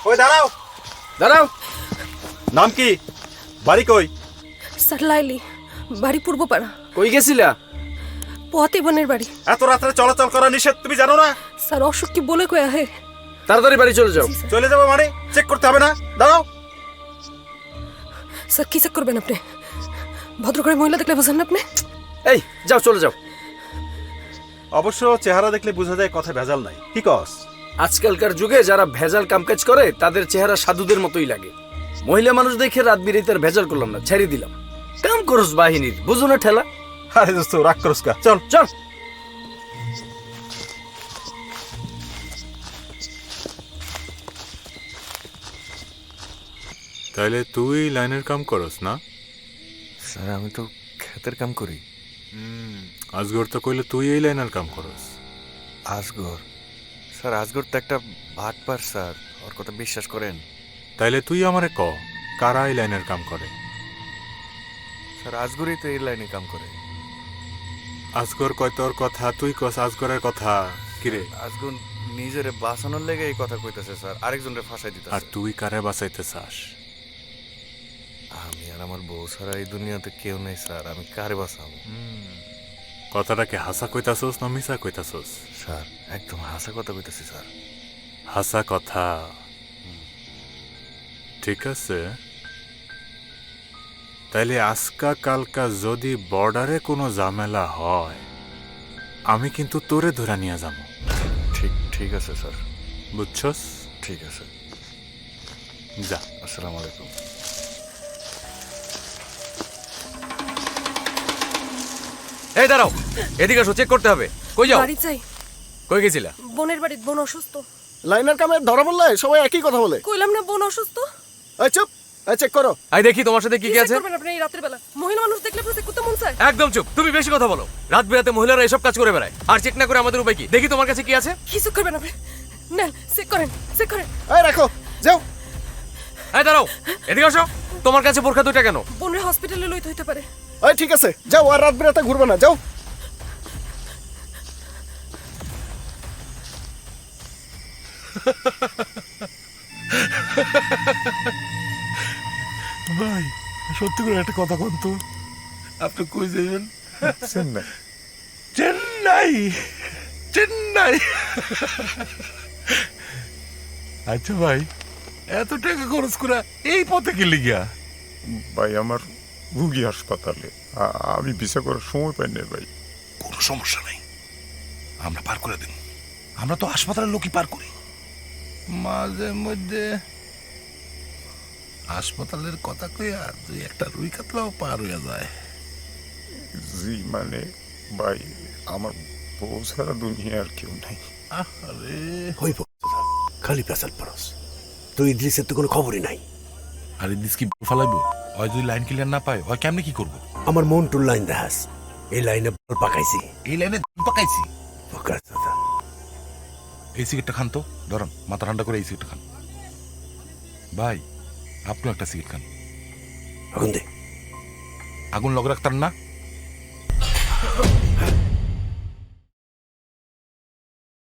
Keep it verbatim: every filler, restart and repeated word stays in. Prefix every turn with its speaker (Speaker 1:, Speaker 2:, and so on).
Speaker 1: ওই দাঁড়াও
Speaker 2: দাঁড়াও।
Speaker 1: নাম কি, বাড়ি কই?
Speaker 3: স্যার লাইলি, বাড়ি পূর্বপাড়া।
Speaker 2: কই গেছিলা?
Speaker 3: পথে বোনের বাড়ি।
Speaker 1: এত রাত্রে চলাচল করা নিষেধ, তুমি জানো না?
Speaker 3: স্যার অসুখ কি বলে কয়া হে?
Speaker 2: তাড়াতাড়ি বাড়ি চলে যাও।
Speaker 1: চলে যাবো মানে চেক করতে হবে না? দাঁড়াও।
Speaker 3: স্যার কি চেক করবেন আপনি? ভদ্র করে মহিলা দেখলে বোঝেন না আপনি?
Speaker 2: এই যাও, চলে যাও।
Speaker 1: অবশ্য চেহারা দেখলে বোঝা যায় কথা ভেজাল নাই, কি কস?
Speaker 2: আজকালকার যুগে যারা ভেজাল কামকাজ করে তাদের চেহারা সাধুদের মতোই লাগে। মহিলা মানুষ দেখে রাত বিরাতে আর ভেজাল করলাম না, ছেড়ে দিলাম। কাম করস বাহিনীর, বুঝো না ঠেলা।
Speaker 1: আরে দোস্ত রাগ করস কা, চল
Speaker 2: চল।
Speaker 4: তাহলে তুই লাইনের কাম করস না?
Speaker 5: স্যার আমি তো ক্ষেতের কাম করি।
Speaker 4: আজগর তো কইলে তুই এই লাইনের কাম করস।
Speaker 5: আজগর স্যার, আজগর তো একটা ভাটপার স্যার, ওর কথা বিশ্বাস করেন?
Speaker 4: তাইলে তুই আমারে ক, কারা এই লাইনের কাম করে?
Speaker 5: স্যার আজগরই তো এই লাইনে কাম করে।
Speaker 4: আজগর কয় তোর কথা, তুই কস আজগরের কথা। কিরে,
Speaker 5: আজগর নিজেরে বাঁচানোর লেগে এই কথা কইতেছে স্যার, আরেকজনরে ফাঁসাই
Speaker 4: আর
Speaker 5: দিতেছে।
Speaker 4: তুই কারে বাঁচাইতে চাস?
Speaker 5: আমি আর আমার বউ ছাড়া এই দুনিয়াতে কেউ নেই স্যার, আমি কারে বাঁচাবো?
Speaker 4: কথাটাকে হাসা কইতাছস না মিছা কইতাছস?
Speaker 5: স্যার একদম হাসা কথা কইতেছি স্যার।
Speaker 4: হাসা কথা। ঠিক আছে, তাইলে আজকা কালকা যদি বর্ডারে কোনো ঝামেলা হয়, আমি কিন্তু তোরে ধরে নিয়ে যাব।
Speaker 5: ঠিক ঠিক আছে স্যার।
Speaker 4: বুঝছস?
Speaker 5: ঠিক আছে,
Speaker 4: যা।
Speaker 5: আসসালামু আলাইকুম।
Speaker 6: এই দাঁড়াও, এদিকে আসো, চেক করতে হবে। কই যাও?
Speaker 3: বাড়ি চাই।
Speaker 6: কই গেছিলা?
Speaker 3: বোনের বাড়ি, বোন অসুস্থ।
Speaker 7: লাইনার কামে ধরা বললে সবাই একই কথা বলে।
Speaker 3: কইলাম না বোন অসুস্থ।
Speaker 7: এই চুপ, এই চেক করো।
Speaker 6: আই দেখি তোমার সাথে কি কি
Speaker 3: চেক
Speaker 6: আছে।
Speaker 3: করবেন আপনি এই রাতের বেলা? মহিলা মানুষ দেখলে আপনার চেক করতে মন চায়?
Speaker 6: একদম চুপ, তুমি বেশি কথা বলো। রাত বেরাতে মহিলারা এসব কাজ করে বেড়ায়, আর চেক না করে আমাদের উপায় কি? দেখি তোমার কাছে কি আছে।
Speaker 3: কি চেক করবেন আপনি? নেন চেক করেন, চেক করেন।
Speaker 7: এই রাখো, যাও।
Speaker 6: এই দাঁড়াও, এদিকে আসো। তোমার কাছে বোরখা দুইটা কেন?
Speaker 3: বোনের হসপিটালে লইতে হইতে পারে।
Speaker 7: এই ঠিক আছে, যাও, আর রাত বেরাতে ঘুরবে না, যাও।
Speaker 8: ভাই সত্যি করে একটা কথা কোন তো, আপনি কই যাবেন?
Speaker 4: চেন্নাই।
Speaker 8: চেন্নাই? চেন্নাই? আচ্ছা ভাই, এত টাকা খরচ করে এই পথে কি লিগা?
Speaker 9: ভাই আমার রুগী হাসপাতালে, আ- আমি ভিসা করার সময় পাই না ভাই।
Speaker 8: কোনো সমস্যা নাই, আমরা পার করে দিন। আমরা তো হাসপাতালের লোকই পার করি। মাঝে মধ্যে হাসপাতালের কথা কইয়া দুই একটা রুই কাতলাও পার হইয়া যায়।
Speaker 9: জি মানে ভাই, আমার বউ ছাড়া দুনিয়া আর কেউ নাই।
Speaker 8: আরে
Speaker 10: হইব খালি পেশাল পরস, তুই ইদ্রিসের তো কোনো খবরই নাই।
Speaker 8: আর ইদিস কি ফালাইবো? ওই যদি লাইন ক্লিয়ার না পায়, ওই কেমনে কি করবো?
Speaker 10: আমার মন টুর লাইন দেখাস, এই লাইনে বল পাকাইছি।
Speaker 8: এই লাইনে পাকাইছি।
Speaker 10: পাকাস দাদা।
Speaker 8: এই সিগারেটটা খান তো, ধরুন মাথা ঠান্ডা করে এই সিগারেটটা খান। ভাই আপনিও একটা সিগারেট খান।
Speaker 10: আগুন দে।
Speaker 8: আগুন লগ রাখতার না?